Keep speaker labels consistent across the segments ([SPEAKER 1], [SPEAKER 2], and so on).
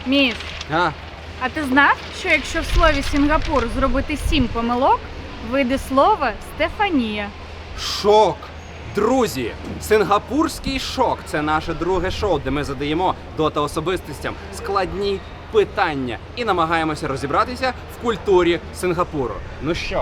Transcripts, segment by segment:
[SPEAKER 1] Міш, а ти знав, що якщо в слові Сінгапур зробити 7 помилок, вийде слово Стефанія?
[SPEAKER 2] Шок! Друзі, Сингапурський шок – це наше друге шоу, де ми задаємо дота-особистостям складні питання і намагаємося розібратися в культурі Сингапуру. Ну що,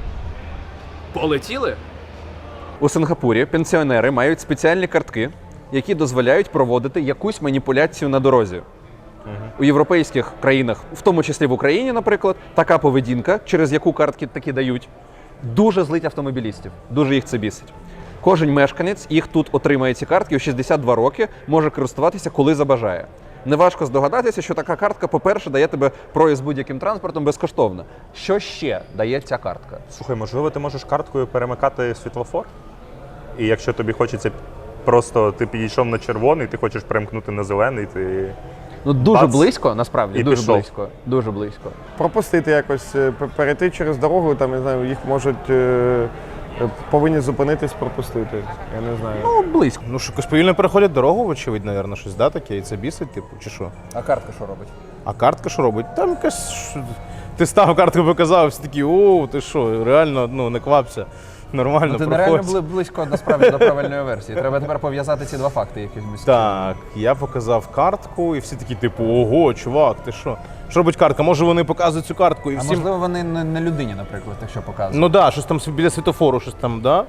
[SPEAKER 2] полетіли? У Сингапурі пенсіонери мають спеціальні картки, які дозволяють проводити якусь маніпуляцію на дорозі. У європейських країнах, в тому числі в Україні, наприклад, така поведінка, через яку картки такі дають, дуже злить автомобілістів, дуже їх це бісить. Кожен мешканець їх тут отримає ці картки у 62 роки, може користуватися, коли забажає. Неважко здогадатися, що така картка, по-перше, дає тебе проїзд будь-яким транспортом безкоштовно. Що ще дає ця картка?
[SPEAKER 3] Слухай, можливо, ти можеш карткою перемикати світлофор? І якщо тобі хочеться просто, ти підійшов на червоний, ти хочеш перемкнути на зелений, ти...
[SPEAKER 2] Ну, дуже
[SPEAKER 3] Бац,
[SPEAKER 2] близько, насправді,
[SPEAKER 3] і
[SPEAKER 2] дуже
[SPEAKER 3] пішов.
[SPEAKER 2] близько. Дуже близько.
[SPEAKER 4] Пропустити якось, перейти через дорогу, там, я знаю, їх можуть, повинні зупинитись, пропустити. Я не знаю.
[SPEAKER 2] Ну, близько.
[SPEAKER 5] Ну, що, якось повільно переходять дорогу, вочевидь, напевно, щось, да, таке, і це бісить, типу, чи що?
[SPEAKER 2] А картка що робить?
[SPEAKER 5] А картка що робить? Там якась... Ти став, картку показав, всі такі, о, ти що, реально, ну, не квапся. Нормально,
[SPEAKER 2] Ти
[SPEAKER 5] проходь.
[SPEAKER 2] нереально близько, насправді, до правильної версії. Треба тепер пов'язати ці два факти якимось.
[SPEAKER 5] Так, я показав картку, і всі такі, типу, ого, чувак, ти що? Що робить картка? Може вони показують цю картку і
[SPEAKER 2] А
[SPEAKER 5] всім...
[SPEAKER 2] можливо, вони не людині, наприклад, якщо показують.
[SPEAKER 5] Ну да, щось там біля світофору, щось там, да?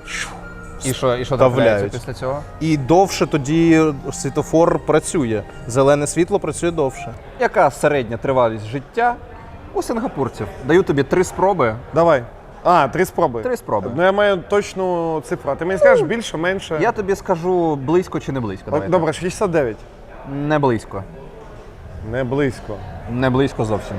[SPEAKER 2] І що трапляється
[SPEAKER 5] Вставляють.
[SPEAKER 2] після цього?
[SPEAKER 5] І довше тоді світофор працює. Зелене світло працює довше.
[SPEAKER 2] Яка середня тривалість життя у сингапурців? Даю тобі 3 спроби.
[SPEAKER 4] Давай. 3 спроби.
[SPEAKER 2] 3 спроби.
[SPEAKER 4] Ну я маю точну цифру. А ти мені скажеш більше, менше?
[SPEAKER 2] Я тобі скажу близько чи не близько. Давай
[SPEAKER 4] Добре, 69.
[SPEAKER 2] так. Не близько.
[SPEAKER 4] Не близько.
[SPEAKER 2] Не близько зовсім.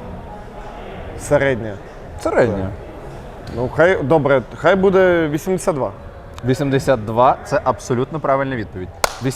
[SPEAKER 4] Середня.
[SPEAKER 2] Середня.
[SPEAKER 4] Ну, хай буде 82.
[SPEAKER 2] 82 – це абсолютно правильна відповідь.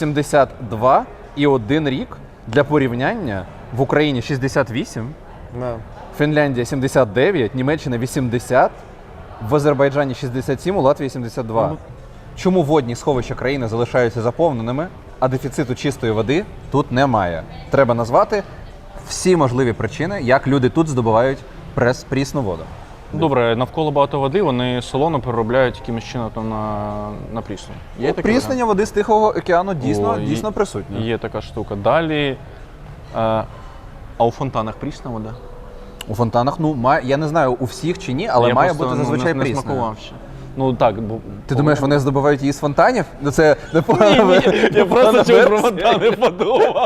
[SPEAKER 2] 82 і 1 рік для порівняння в Україні 68,
[SPEAKER 4] Да.
[SPEAKER 2] Фінляндія 79, Німеччина 80, в Азербайджані 67, у Латвії 72. Чому водні сховища країни залишаються заповненими, а дефіциту чистої води тут немає? Треба назвати всі можливі причини, як люди тут здобувають прісну воду.
[SPEAKER 6] Добре, навколо багато води, вони солоно переробляють якимось чином там на прісну. Є таке
[SPEAKER 2] Пріснення води з Тихого океану
[SPEAKER 6] О,
[SPEAKER 2] дійсно присутнє.
[SPEAKER 6] Є така штука. Далі, а у фонтанах прісна вода?
[SPEAKER 2] У фонтанах, я не знаю, у всіх чи ні, але
[SPEAKER 6] Я
[SPEAKER 2] має
[SPEAKER 6] просто,
[SPEAKER 2] бути зазвичай
[SPEAKER 6] не
[SPEAKER 2] прісною.
[SPEAKER 6] смакував ще. Ну так, бо...
[SPEAKER 2] Ти думаєш, вони здобувають її з фонтанів? Ну це непогано.
[SPEAKER 6] Я просто чого про фонтани подумав.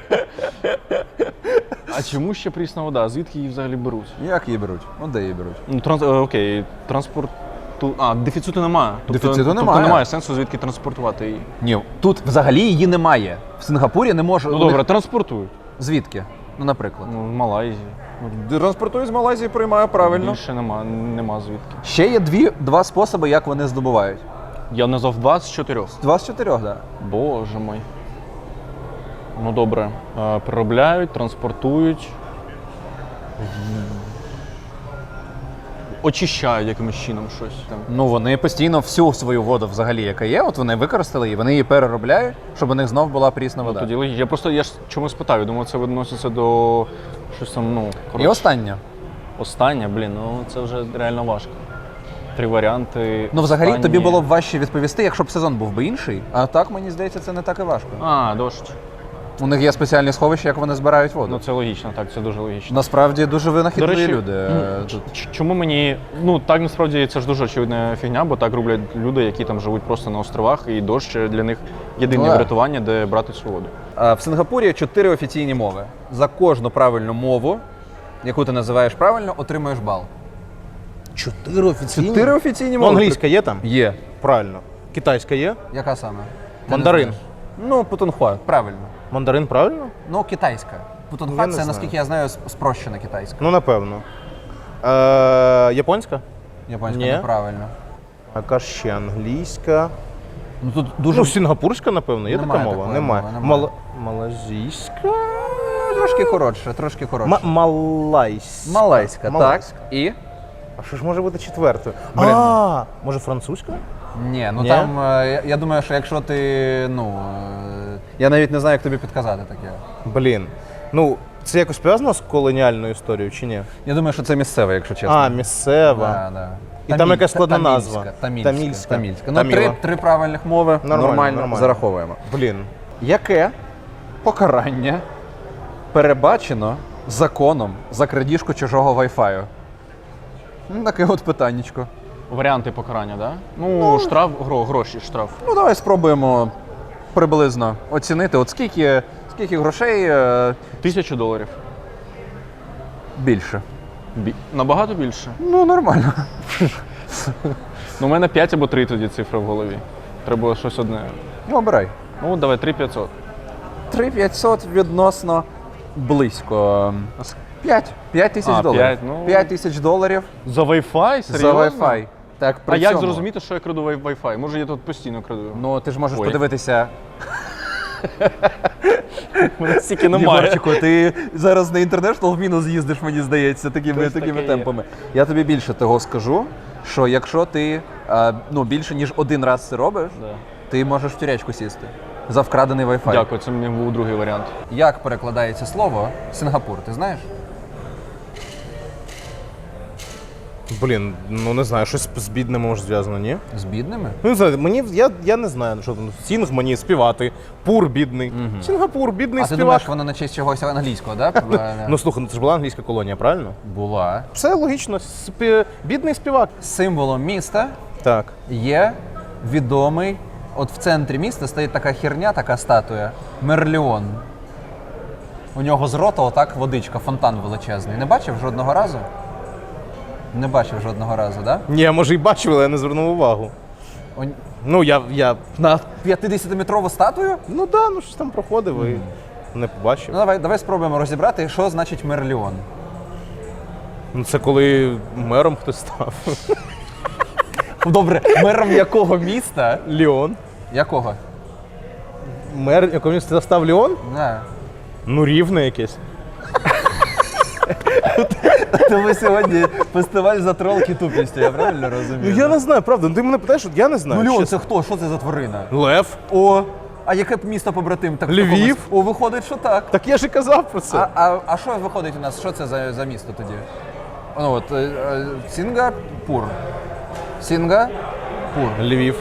[SPEAKER 6] А чому ще прісна вода? Звідки її взагалі беруть?
[SPEAKER 2] Як її беруть? Ну де її беруть?
[SPEAKER 6] Ну, окей, транспорту... дефіциту немає.
[SPEAKER 2] Дефіциту немає.
[SPEAKER 6] Тобто немає сенсу звідки транспортувати її.
[SPEAKER 2] Ні, тут взагалі її немає. В Сингапурі не може.
[SPEAKER 6] Ну добре, транспортують.
[SPEAKER 2] Звідки? Ну, наприклад.
[SPEAKER 6] Ну, в Малайзії.
[SPEAKER 2] Транспортує з Малайзії, приймає правильно.
[SPEAKER 6] Більше нема звідки.
[SPEAKER 2] Ще є два способи, як вони здобувають.
[SPEAKER 6] Я назвав 2 з 4.
[SPEAKER 2] 2 з 4, так. Да.
[SPEAKER 6] Боже мой. Ну добре. Переробляють, транспортують. Очищають якимось чином щось там.
[SPEAKER 2] Ну, вони постійно всю свою воду взагалі, яка є, от вони використали її, вони її переробляють, щоб у них знов була прісна вода.
[SPEAKER 6] Тоді я ж чомусь питав, я думав, це відноситься до щось там,
[SPEAKER 2] І
[SPEAKER 6] коротше.
[SPEAKER 2] останнє.
[SPEAKER 6] Останнє, це вже реально важко. 3 варіанти.
[SPEAKER 2] Ну, взагалі,
[SPEAKER 6] останнє.
[SPEAKER 2] тобі було б важче відповісти, якщо б сезон був би інший. А так, мені здається, це не так і важко.
[SPEAKER 6] Дощ.
[SPEAKER 2] У них є спеціальні сховища, як вони збирають воду.
[SPEAKER 6] Ну це логічно, так, це дуже логічно.
[SPEAKER 2] Насправді дуже винахідливі люди.
[SPEAKER 6] Чому мені, так насправді це ж дуже очевидна фігня, бо так роблять люди, які там живуть просто на островах, і дощ для них єдине врятування, де брати цю воду.
[SPEAKER 2] В Сингапурі 4 офіційні мови. За кожну правильну мову, яку ти називаєш правильно, отримуєш бал.
[SPEAKER 5] 4 офіційні?
[SPEAKER 2] 4 офіційні
[SPEAKER 5] Ну,
[SPEAKER 2] мови.
[SPEAKER 5] англійська є там?
[SPEAKER 2] Є.
[SPEAKER 5] Правильно. Китайська є?
[SPEAKER 2] Яка саме?
[SPEAKER 5] Мандарин.
[SPEAKER 2] Ну, путунхуа, правильно.
[SPEAKER 5] Мандарин правильно?
[SPEAKER 2] Ну, китайська.
[SPEAKER 5] Я
[SPEAKER 2] Путунхуа
[SPEAKER 5] не
[SPEAKER 2] це,
[SPEAKER 5] знаю.
[SPEAKER 2] наскільки я знаю, спрощена китайська.
[SPEAKER 5] Ну, напевно. Японська?
[SPEAKER 2] Японська
[SPEAKER 5] Ні.
[SPEAKER 2] неправильно.
[SPEAKER 5] Яка ще англійська?
[SPEAKER 2] Ну, тут дуже
[SPEAKER 5] Ну, сінгапурська, напевно, є
[SPEAKER 2] Немає
[SPEAKER 5] така мова?
[SPEAKER 2] такої
[SPEAKER 5] Немає.
[SPEAKER 2] мови, немає.
[SPEAKER 5] Малазійська?
[SPEAKER 2] трошки коротше, трошки коротше.
[SPEAKER 5] Малайська.
[SPEAKER 2] Малайська, так. І?
[SPEAKER 5] А що ж може бути четвертою?
[SPEAKER 2] Блін.
[SPEAKER 5] Може французька?
[SPEAKER 2] Ні, ну
[SPEAKER 5] Ні?
[SPEAKER 2] там, я думаю, що якщо ти, я навіть не знаю, як тобі підказати таке.
[SPEAKER 5] Блін. Ну, це якось пов'язано з колоніальною історією чи ні?
[SPEAKER 2] Я думаю, що це місцеве, якщо чесно.
[SPEAKER 5] А, місцева.
[SPEAKER 2] Да, да.
[SPEAKER 5] І там якась складна назва.
[SPEAKER 2] Тамільська.
[SPEAKER 5] Тамільська.
[SPEAKER 2] Ну,
[SPEAKER 5] Таміла.
[SPEAKER 2] три правильних мови нормально зараховуємо.
[SPEAKER 5] Блін.
[SPEAKER 2] Яке покарання перебачено законом за крадіжку чужого Wi-Fi? Ну, таке от питаннячко.
[SPEAKER 6] Варіанти покарання, да? Ну, штраф, гроші, штраф.
[SPEAKER 2] Ну, давай спробуємо приблизно оцінити, от скільки грошей
[SPEAKER 6] $1000.
[SPEAKER 2] більше.
[SPEAKER 6] Набагато більше.
[SPEAKER 2] Ну, нормально.
[SPEAKER 6] Ну, у мене 5 або 3 тоді цифри в голові. Треба щось одне.
[SPEAKER 2] Ну, обирай.
[SPEAKER 6] Ну, давай 3500.
[SPEAKER 2] 3500 відносно близько. 5 тисяч
[SPEAKER 6] А,
[SPEAKER 2] доларів.
[SPEAKER 6] 5, ну.
[SPEAKER 2] 5 тисяч доларів
[SPEAKER 6] За Wi-Fi?
[SPEAKER 2] за
[SPEAKER 6] Серйозно?
[SPEAKER 2] Wi-Fi. Так, при
[SPEAKER 6] А як
[SPEAKER 2] цьому-
[SPEAKER 6] зрозуміти, що я краду Wi-Fi? Може, я тут постійно краду?
[SPEAKER 2] Ну, ти ж можеш
[SPEAKER 6] Ой.
[SPEAKER 2] подивитися.
[SPEAKER 6] Мене стільки немає.
[SPEAKER 2] Єгорчику, ти зараз на International в мінус їздиш, мені здається, такими
[SPEAKER 6] таке є.
[SPEAKER 2] темпами. Я тобі більше того скажу, що якщо ти більше ніж один раз це робиш,
[SPEAKER 6] Да.
[SPEAKER 2] ти можеш в тюрячку сісти за вкрадений Wi-Fi.
[SPEAKER 6] Дякую, це мені був другий варіант.
[SPEAKER 2] Як перекладається слово Сингапур, ти знаєш?
[SPEAKER 5] Блін, ну не знаю, щось з бідними може зв'язано, ні?
[SPEAKER 2] З бідними?
[SPEAKER 5] Ну, не знаю, я не знаю, що там. Сінг мені співати, пур бідний. Сінгапур, бідний
[SPEAKER 2] А ти
[SPEAKER 5] співак.
[SPEAKER 2] думаєш, воно на честь чогось англійського, так?
[SPEAKER 5] Ну слухай, ну це ж була англійська колонія, правильно?
[SPEAKER 2] Була.
[SPEAKER 5] Все логічно. Бідний співак.
[SPEAKER 2] Символом міста
[SPEAKER 5] Так.
[SPEAKER 2] є відомий, от в центрі міста стоїть така херня, така статуя, Мерліон. У нього з рота отак водичка, фонтан величезний. Не бачив жодного разу? Не бачив жодного разу, так? Да?
[SPEAKER 5] Ні, може і бачив, але я не звернув увагу. Ну, я...
[SPEAKER 2] На 50-метрову статую?
[SPEAKER 5] Ну да, ну щось там проходив і не побачив.
[SPEAKER 2] Ну давай спробуємо розібрати, що значить Мерліон.
[SPEAKER 5] Ну це коли мером хтось став.
[SPEAKER 2] Добре, мером якого міста?
[SPEAKER 5] Ліон.
[SPEAKER 2] Якого?
[SPEAKER 5] Мер якого міста став Ліон?
[SPEAKER 2] Не.
[SPEAKER 5] Ну, Рівне якесь.
[SPEAKER 2] Тому сьогодні фестиваль затролки тупістю, я правильно
[SPEAKER 5] Ну
[SPEAKER 2] розумію?
[SPEAKER 5] я не знаю, правда. Ну ти мене питаєш, от я не знаю.
[SPEAKER 2] Ну, Леон,
[SPEAKER 5] чесно.
[SPEAKER 2] це хто? Що це за тварина?
[SPEAKER 5] Лев.
[SPEAKER 2] О, а яке б місто побратим? Так, в
[SPEAKER 5] Львів.
[SPEAKER 2] такому- О, виходить, що так.
[SPEAKER 5] Так я ж і казав про це.
[SPEAKER 2] А що виходить у нас? Що це за місто тоді? Ну от, Сінгапур. Сінгапур.
[SPEAKER 5] Львів.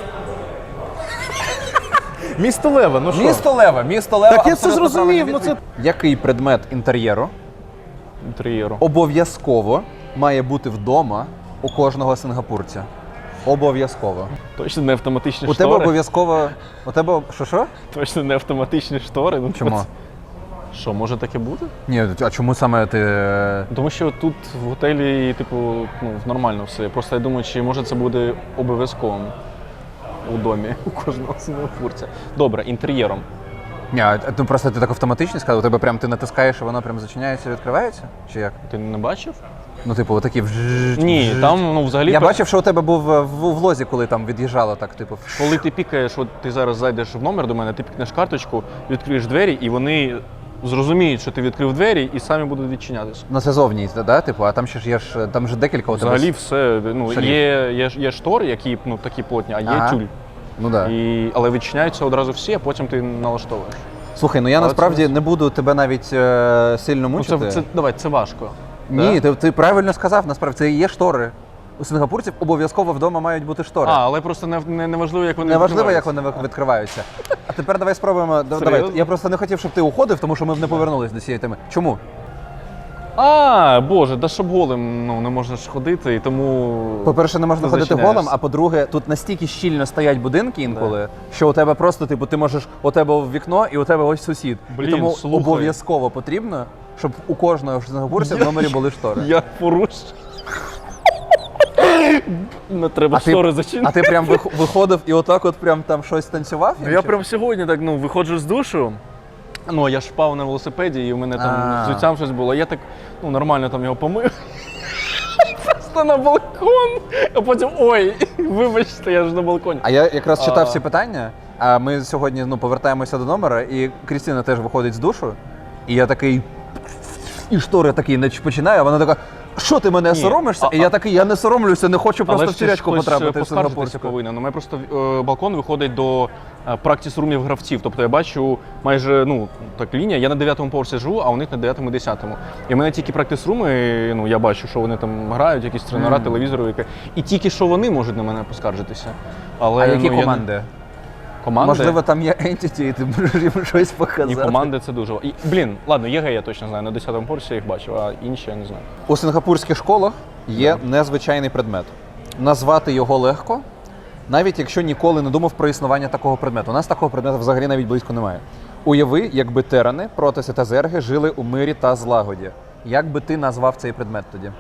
[SPEAKER 5] Місто Лева, ну що?
[SPEAKER 2] Місто Лева, місто Лева.
[SPEAKER 5] Так я це
[SPEAKER 2] абсолютно
[SPEAKER 5] зрозумів,
[SPEAKER 2] правильна
[SPEAKER 5] ну це...
[SPEAKER 2] відповідь. Який предмет інтер'єру
[SPEAKER 6] Інтер'єру.
[SPEAKER 2] обов'язково має бути вдома у кожного сингапурця? Обов'язково.
[SPEAKER 6] Точно не автоматичні
[SPEAKER 2] У тебе
[SPEAKER 6] штори.
[SPEAKER 2] обов'язково. У тебе. Що?
[SPEAKER 6] Точно не автоматичні штори. Ну,
[SPEAKER 2] Чому?
[SPEAKER 6] Що, може таке бути?
[SPEAKER 2] Ні, а чому саме ти.
[SPEAKER 6] Тому що тут в готелі, типу, ну, нормально все. Просто я думаю, чи може це буде обов'язковим у домі у кожного сингапурця. Добре, інтер'єром.
[SPEAKER 2] Ні, ну просто ти так автоматично сказав, у тебе прям ти натискаєш, і воно прям зачиняється і відкривається? Чи як?
[SPEAKER 6] Ти не бачив?
[SPEAKER 2] Ну, типу, отакі
[SPEAKER 6] Ні, там ну, взагалі.
[SPEAKER 2] Я бачив, що у тебе був в влозі, коли там від'їжджало так, типу.
[SPEAKER 6] Коли ти пікаєш, от ти зараз зайдеш в номер до мене, ти пікнеш карточку, відкриєш двері, і вони зрозуміють, що ти відкрив двері, і самі будуть відчинятися.
[SPEAKER 2] Ну, це зовні, да? Типу, а там ще ж є ж там же декілька у тебе.
[SPEAKER 6] Взагалі все. Ну,
[SPEAKER 2] Шарів.
[SPEAKER 6] є штори, які ну, такі плотні, а є
[SPEAKER 2] Ага.
[SPEAKER 6] тюль.
[SPEAKER 2] Ну да.
[SPEAKER 6] Але відчиняються одразу всі, а потім ти налаштовуєш.
[SPEAKER 2] Слухай, ну я
[SPEAKER 6] Але
[SPEAKER 2] насправді
[SPEAKER 6] це-
[SPEAKER 2] не буду тебе навіть сильно
[SPEAKER 6] Ну,
[SPEAKER 2] мучити.
[SPEAKER 6] давай, це важко.
[SPEAKER 2] Ні, ти правильно сказав, насправді це і є штори. У сингапурців обов'язково вдома мають бути штори.
[SPEAKER 6] Але просто не важливо, як вони
[SPEAKER 2] Неважливо, як
[SPEAKER 6] відкриваються.
[SPEAKER 2] вони відкриваються. А тепер давай спробуємо. Давай.
[SPEAKER 6] Серйозно?
[SPEAKER 2] Я просто не хотів, щоб ти уходив, тому що ми не повернулись до цієї теми. Чому?
[SPEAKER 6] Боже, да щоб голим ну, не можна ж ходити, і тому.
[SPEAKER 2] По-перше, не можна
[SPEAKER 6] ти
[SPEAKER 2] ходити
[SPEAKER 6] зачиняєш.
[SPEAKER 2] голим, а по-друге, тут настільки щільно стоять будинки інколи, що у тебе просто, типу, ти можеш у тебе в вікно і у тебе ось сусід.
[SPEAKER 6] Блін,
[SPEAKER 2] і тому
[SPEAKER 6] слухай.
[SPEAKER 2] обов'язково потрібно, щоб у кожного сингапурця в номері були штори.
[SPEAKER 6] Я поруч. Не треба штори зачинити.
[SPEAKER 2] А ти прям виходив і отак от прям там щось танцював?
[SPEAKER 6] Ну, я прям сьогодні так виходжу з душу. Ну, я ж впав на велосипеді, і у мене там з взуттям щось було. Я так нормально там його помив. Просто на балкон. А потім ой, вибачте, я ж на балконі.
[SPEAKER 2] А я якраз читав ці питання, а ми сьогодні повертаємося до номера, і Крістіна теж виходить з душу, і я такий. І штори такі починаю, а вона така, що ти мене соромишся? І я такий, я не соромлюся, не хочу просто в тюрячку потрапити в
[SPEAKER 6] поскаржитися
[SPEAKER 2] сингапурську.
[SPEAKER 6] повинен. У мене просто балкон виходить до практис-румів гравців. Тобто я бачу майже, ну, так лінія, я на 9-му поверсі живу, а у них на 9-му і 10-му. І в мене тільки практис-руми, ну, я бачу, що вони там грають, якісь тренера, телевізори, і тільки що вони можуть на мене поскаржитися. Але,
[SPEAKER 2] А які
[SPEAKER 6] ну,
[SPEAKER 2] команди?
[SPEAKER 6] Команди?
[SPEAKER 2] Можливо, там є entity, і ти можеш їм щось показати.
[SPEAKER 6] І команди це дуже. І, блін, ладно, ЄГЕ я точно знаю, на 10-му поверсі я їх бачив, а інші я не знаю.
[SPEAKER 2] У сингапурських школах є незвичайний предмет. Назвати його легко, навіть якщо ніколи не думав про існування такого предмету. У нас такого предмету взагалі навіть близько немає. Уяви, якби терани, протеси та зерги жили у мирі та злагоді. Як би ти назвав цей предмет тоді?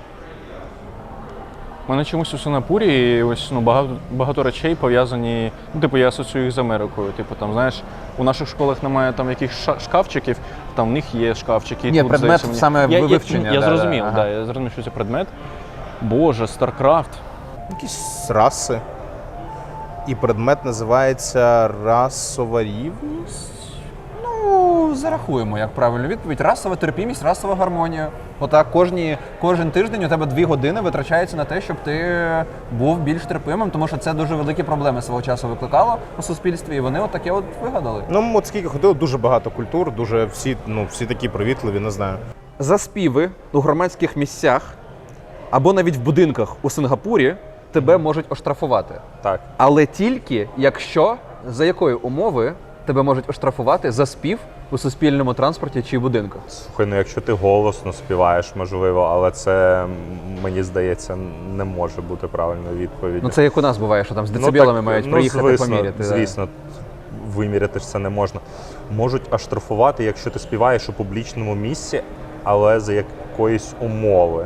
[SPEAKER 6] У мене чомусь у Сингапурі ось, ну, багато речей пов'язані, ну, типу, я асоціюю їх з Америкою. Типу, там, знаєш, у наших школах немає там якихось шкафчиків, там в них є шкафчики.
[SPEAKER 2] Ні,
[SPEAKER 6] тут,
[SPEAKER 2] предмет
[SPEAKER 6] здається,
[SPEAKER 2] саме вивчення.
[SPEAKER 6] Я
[SPEAKER 2] да,
[SPEAKER 6] зрозумів,
[SPEAKER 2] ага.
[SPEAKER 6] я зрозумів, що це предмет. Боже, StarCraft.
[SPEAKER 5] Якісь раси. І предмет називається расова рівність.
[SPEAKER 2] Ну, зарахуємо, як правильну відповідь. Расова терпімість, расова гармонія. Отак кожен тиждень у тебе 2 години витрачається на те, щоб ти був більш терпимим, тому що це дуже великі проблеми свого часу викликало у суспільстві, і вони от таке от вигадали.
[SPEAKER 5] Ну, от скільки ходило, дуже багато культур, дуже всі такі привітливі, не знаю.
[SPEAKER 2] За співи у громадських місцях або навіть в будинках у Сингапурі тебе можуть оштрафувати.
[SPEAKER 3] Так.
[SPEAKER 2] Але тільки якщо, за якої умови тебе можуть оштрафувати за спів у суспільному транспорті чи будинках.
[SPEAKER 3] Слухай, ну якщо ти голосно співаєш, можливо, але це, мені здається, не може бути правильною відповіддю.
[SPEAKER 2] Ну це як у нас буває, що там з децибелами мають приїхати поміряти.
[SPEAKER 3] Звісно, виміряти ж це не можна. Можуть оштрафувати, якщо ти співаєш у публічному місці, але за якоїсь умови.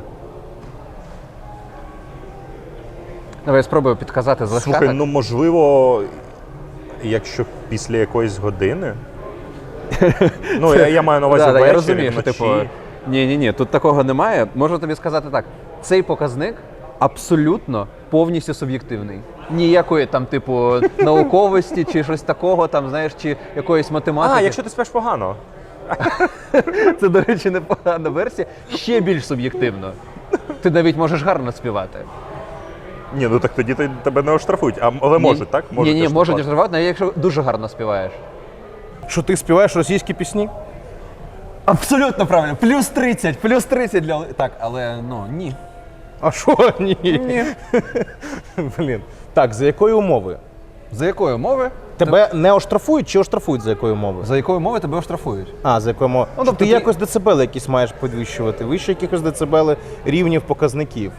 [SPEAKER 2] Давай я спробую підказати з легка.
[SPEAKER 3] Слухай, ну можливо, якщо після якоїсь години. Ну, я маю на увазі
[SPEAKER 2] Да,
[SPEAKER 3] ввечері,
[SPEAKER 2] я розумію, що
[SPEAKER 3] вночі.
[SPEAKER 2] типу, ні, тут такого немає. Можу тобі сказати так. Цей показник абсолютно повністю суб'єктивний. Ніякої там, типу, науковості чи щось такого, там, знаєш, чи якоїсь математики.
[SPEAKER 3] А, якщо ти спиш погано.
[SPEAKER 2] Це, до речі, непогана версія. Ще більш суб'єктивно. Ти навіть можеш гарно співати.
[SPEAKER 3] Ні, ну так тоді тебе не оштрафують, але можуть, так?
[SPEAKER 2] Ні, можуть оштрафувати, навіть якщо дуже гарно співаєш.
[SPEAKER 5] Що ти співаєш російські пісні?
[SPEAKER 2] Абсолютно правильно. Плюс 30 для... Так, але, ну, ні.
[SPEAKER 5] А що? Ні. Блін. Так, за якої умови?
[SPEAKER 2] За якої умови?
[SPEAKER 5] Тебе не оштрафують чи оштрафують за якої умови?
[SPEAKER 2] За якої умови тебе оштрафують?
[SPEAKER 5] А, за якої умови?
[SPEAKER 2] Ну,
[SPEAKER 5] Що
[SPEAKER 2] тобто
[SPEAKER 5] ти
[SPEAKER 2] ти-
[SPEAKER 5] якось децибели якісь маєш підвищувати, вище якихось децибели рівнів показників.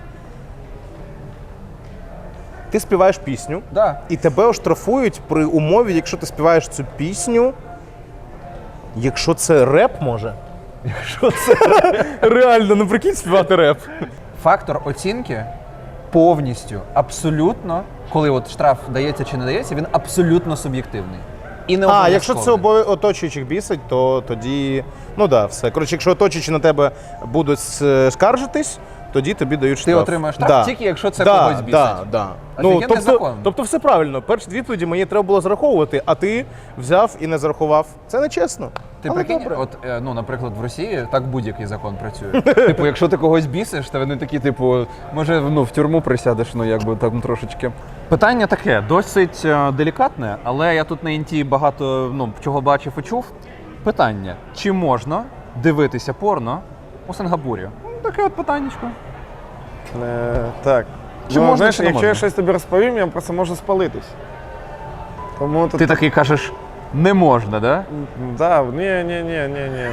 [SPEAKER 5] Ти співаєш пісню,
[SPEAKER 2] Да.
[SPEAKER 5] і тебе оштрафують при умові, якщо ти співаєш цю пісню, якщо це реп, може? Якщо це реально, ну прикинь співати реп.
[SPEAKER 2] Фактор оцінки повністю, абсолютно, коли от штраф дається чи не дається, він абсолютно суб'єктивний. І не
[SPEAKER 5] А, якщо це
[SPEAKER 2] обов'язковий.
[SPEAKER 5] оточуючих бісить, то тоді, ну да, все. Коротше, якщо оточуючі на тебе будуть скаржитись, тоді тобі дають штраф.
[SPEAKER 2] Ти отримаєш штраф тільки якщо це когось бісить.
[SPEAKER 5] Да.
[SPEAKER 2] Офігенний закон.
[SPEAKER 5] Тобто все правильно. Перші відповіді мені треба було зараховувати, а ти взяв і не зарахував. Це нечесно.
[SPEAKER 2] Ти
[SPEAKER 5] Але
[SPEAKER 2] прикинь,
[SPEAKER 5] добре.
[SPEAKER 2] от, ну, наприклад, в Росії так будь-який закон працює. Типу, якщо ти когось бісиш, то вони такі, типу, може, ну, в тюрму присядеш, ну, якби там трошечки. Питання таке, досить делікатне, але я тут на інті багато, ну, чого бачив і чув. Питання, чи можна дивитися порно у Сингапурі? Ну, таке от питаннячко.
[SPEAKER 4] Так.
[SPEAKER 2] Чи можна,
[SPEAKER 4] знаєш,
[SPEAKER 2] чи не
[SPEAKER 4] якщо
[SPEAKER 2] можна?
[SPEAKER 4] я щось тобі розповім, я просто можу спалитись. Тому тут...
[SPEAKER 2] Ти такий кажеш, не можна, да?
[SPEAKER 4] Да, ні.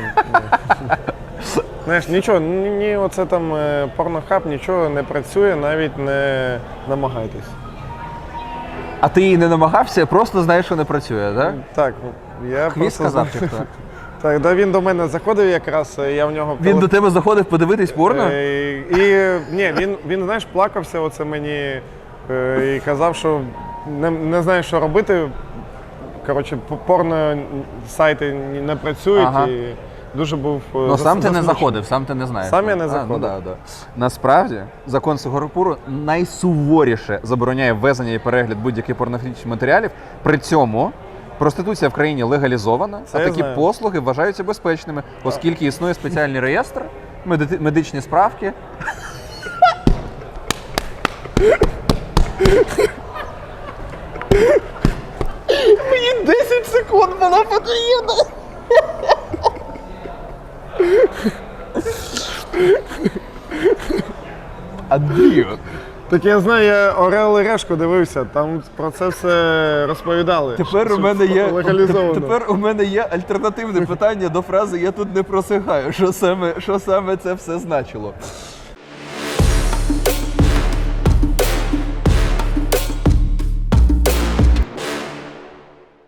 [SPEAKER 4] Знаєш, нічого, ні, оце там порнохаб, нічого не працює, навіть не намагайтесь.
[SPEAKER 2] А ти її не намагався, просто знаєш, що не працює, так?
[SPEAKER 4] Так, я
[SPEAKER 2] Хвіст
[SPEAKER 4] просто...
[SPEAKER 2] сказав, чи хто?
[SPEAKER 4] Так, да, він до мене заходив якраз, я в нього...
[SPEAKER 2] Він до тебе заходив подивитись порно?
[SPEAKER 4] Він, знаєш, плакався оце мені і казав, що не знає, що робити. Коротше, порно сайти не працюють
[SPEAKER 2] Ага.
[SPEAKER 4] і дуже був
[SPEAKER 2] Ну, сам ти не
[SPEAKER 4] засмучений.
[SPEAKER 2] заходив, сам ти не знаєш.
[SPEAKER 4] Сам я не
[SPEAKER 2] Ну,
[SPEAKER 4] заходив.
[SPEAKER 2] да. Насправді, закон Сингапуру найсуворіше забороняє ввезення і перегляд будь-яких порнографічних матеріалів. При цьому проституція в країні легалізована,
[SPEAKER 4] Це
[SPEAKER 2] а
[SPEAKER 4] я
[SPEAKER 2] такі
[SPEAKER 4] знаю.
[SPEAKER 2] послуги вважаються безпечними, оскільки існує спеціальний реєстр, медичні справки.
[SPEAKER 5] 10 секунд було потрібно.
[SPEAKER 2] Андрію.
[SPEAKER 4] Так я знаю, я Орел і Решку дивився, там про це все розповідали.
[SPEAKER 2] Тепер
[SPEAKER 4] що
[SPEAKER 2] у мене є
[SPEAKER 4] легалізовано.
[SPEAKER 2] тепер у мене є альтернативне питання до фрази "я тут не просихаю". Що саме це все значило?